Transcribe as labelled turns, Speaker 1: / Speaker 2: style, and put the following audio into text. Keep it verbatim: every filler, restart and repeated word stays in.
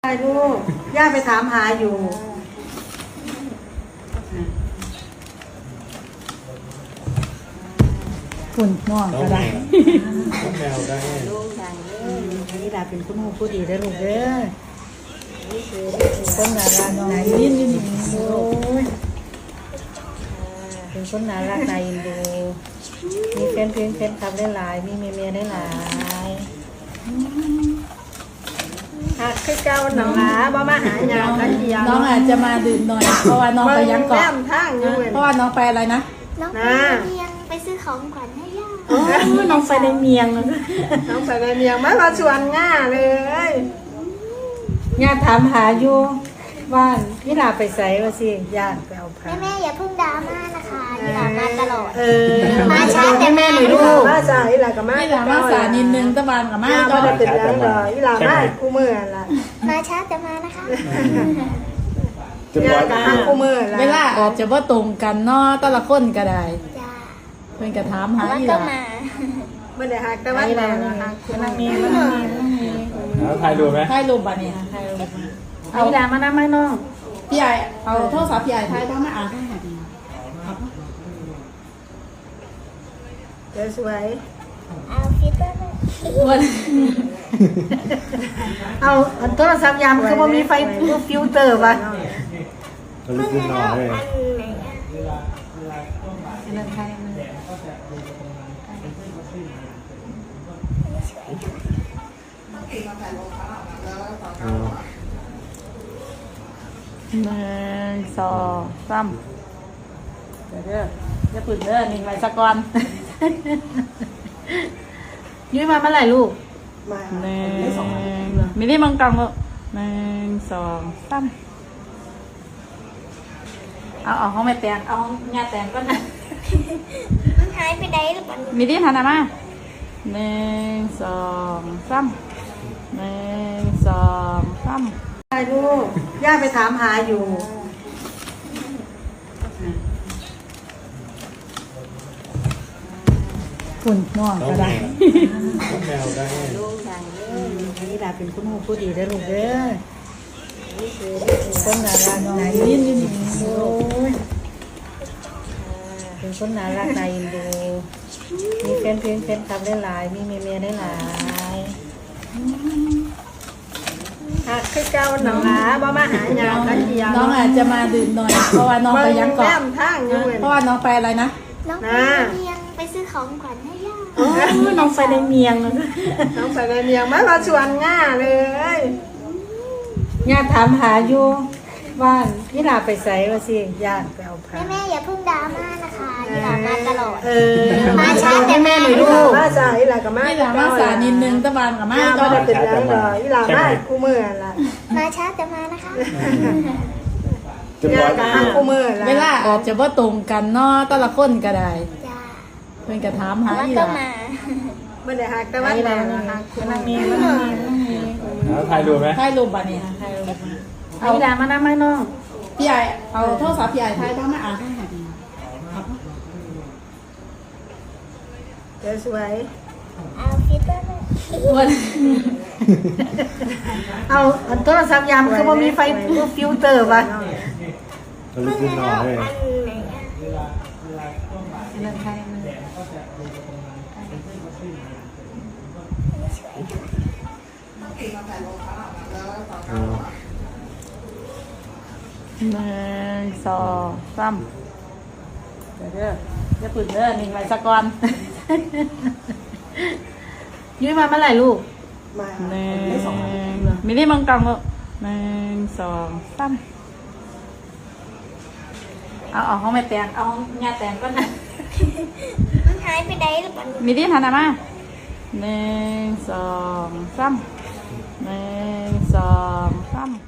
Speaker 1: ใช่ลูกย่าไปถามหาอยู่คุณน้องก็ได้
Speaker 2: น้องแมวได้
Speaker 1: ลูกใหญ่เลยนี่ดาเป็นคุณหูผู้ดีได้ลูกเด้อคนน่ารักไหนยินยินโอ้ยเป็นคนน่ารักนายอินดูมีแฟนเพลงแฟนคลับได้หลายมีเมียเมียได้หลายหักคือเก่าหนังหนาบ่มาหายาทันเดียว
Speaker 3: น้องอาจจะมาดื่มหน่อยเพราะว่าน้องไปยังเกาะ
Speaker 1: ทางอยู่
Speaker 3: เพราะว่าน้องไปอะไรนะ
Speaker 4: น้องไปเมียงไปซื้อของขวัญให้ย่า
Speaker 1: น้องไปในเมียงน้องไปในเมียงไม่มาชวนง่าเลยง่าถามหาอยู่บ้านพี่ลาไปใส่ว่าสิญาติไปเอาผ้า
Speaker 4: แม่แม่อย่าเพิ่งดราม่านะคะนี่หลานมาตลอด
Speaker 1: เออ
Speaker 4: มาช้าแต่แม่หนู
Speaker 1: ลูกมาช้าอีหลากับแม่
Speaker 3: ไม่หลามาสานิดนึงตะบานกับแม่
Speaker 1: ก็ได้เป็นแล้วเหรออีหลาแม่คู่มือละ
Speaker 4: มาช้าแต่มานะคะ
Speaker 1: ญาติกับทางคู่มือละ
Speaker 3: เวลาอาจจะว่าตรงกันเนาะแต่ละคนก็ได้
Speaker 4: จ้า
Speaker 3: เพิ่นก็ถามหา
Speaker 4: ว่า
Speaker 3: อีห
Speaker 4: ก็
Speaker 3: ลา
Speaker 4: มา
Speaker 1: ไม่ได้หักแต่ว่าแต่มันมีมันมี
Speaker 2: แล้วถ่ายรูปไหม
Speaker 3: ถ่ายรูปบัดนี้ถ่ายรูปเอา
Speaker 1: อีหลามานั่งไม่น้อง
Speaker 3: พี่ใหญ่เอาโทรศัพท์พี่ใหญ่ถ่ายบ้างมาอ่านให้หน่อยดี
Speaker 1: เดี๋ยวสวย
Speaker 4: เอาฟิลเตอร์
Speaker 3: วัน
Speaker 1: เอาโทรศัพท์ยามคือว่ามีไฟฟิลเตอร์ป่ะ
Speaker 2: ก็ลุกขึ้นนอนเลย
Speaker 4: อันไหนอ่ะ
Speaker 1: นั่นใครมัน
Speaker 3: หนึ่งสองสามเดี๋ยวเด้อจะปึดเด้อหนึ่งไรสักก่อน
Speaker 1: ยุ้ยมาเมื่อไหร่ลูก
Speaker 3: หนึ่งมินิมังกังลูกหนึ่งสองสามเอาเอาห้องแม่แตงเอางาแตงก็นะ
Speaker 4: มันหายไปไหนหรือเปล่า
Speaker 3: มินิทานามาหนึ่งสองสามหนึ่งสองสาม
Speaker 1: ใช่ลูกย่าไปถามหาอยู่
Speaker 3: คุณน้องก็ได้
Speaker 2: น้องแมวได้
Speaker 1: ลูกใหญ่เลยนี่ดาเป็นคุณหูผู้ดีได้ลูกเด้อคนน่ารักไหนยินยินโอ้ยเป็นคนน่ารักนายอินดูมีแฟนเพลงแฟนคลับได้หลายมีเมียเมียได้หลายหักคือเก่าหนังหนาบ่มาหายาทันเดียว
Speaker 3: น้องอาจจะมาดื่มหน่อยเพราะว่าน้องไปยังเกาะ
Speaker 1: ทางอยู่
Speaker 3: เพราะว่าน้องไปอะไรนะ
Speaker 4: น้องไปเมียงไปซื้อของขวัญให้ย่า
Speaker 1: น้องไปในเมียงน้องไปในเมียงไม่มาชวนง่าเลยง่าถามหาอยู่บ้านพี่ลาไปใส่ว่าสิญาติไปเอาผ้า
Speaker 4: แม่แม่อย่าเพิ่งดราม่านะคะนี่หลานมาตลอด
Speaker 1: เออ
Speaker 4: มาช้าแต่แม่หนู
Speaker 1: ลูกมาช้าอีหลากับแม่
Speaker 3: ไม่หลามาสานิดนึงตะบานกับแม่
Speaker 1: ก็ได้เป็นแล้วเหรออีหลาแม่คู่มือละ
Speaker 4: มาช้าแต่มานะคะ
Speaker 1: ญาติกับทางคู่มือละ
Speaker 3: เวลาอาจจะว่าตรงกันเนาะแต่ละคนก็ได้
Speaker 4: จ้า
Speaker 3: เพิ่นก็ถามหา
Speaker 4: ว่า
Speaker 3: อีห
Speaker 4: ก็
Speaker 3: ลา
Speaker 4: มา
Speaker 1: ไม่ได้หักแต่ว่าแต่มันมีมันมี
Speaker 2: แล้วถ่ายรูปไหม
Speaker 3: ถ่ายรูปบัดนี้ถ่ายรูป
Speaker 1: เอาอีหลามานั่งไม่น้อง
Speaker 3: พี่ใหญ่เอาโทรศัพท์พี่ใหญ่ถ่ายบ้างมาอ่านให้หน่อยดี
Speaker 1: เดี๋ยวสวย
Speaker 4: เอาฟิลเตอร์
Speaker 3: วัน
Speaker 1: เอาโทรศัพท์ยามคือว่ามีไฟฟิลเตอร์ป่ะ
Speaker 2: ก็ลุกขึ้นนอนเลย
Speaker 4: อันไหนอ่ะ
Speaker 1: นั่นใครมัน
Speaker 3: หนึ่งสองสามเดี๋ยวเด้อจะปึดเด้อหนึ่งไรสักก่อน
Speaker 1: ยุ้ยมาเมื่อไหร่ลูก
Speaker 3: หนึ่งมินิมังกังลูกหนึ่งสองสามเอาเอาห้องแม่แตงเอางาแตงก็นะ
Speaker 4: มันหายไปไหนหรือเปล่า
Speaker 3: มินิทานามาหนึ่งสองสามหนึ่งสองสาม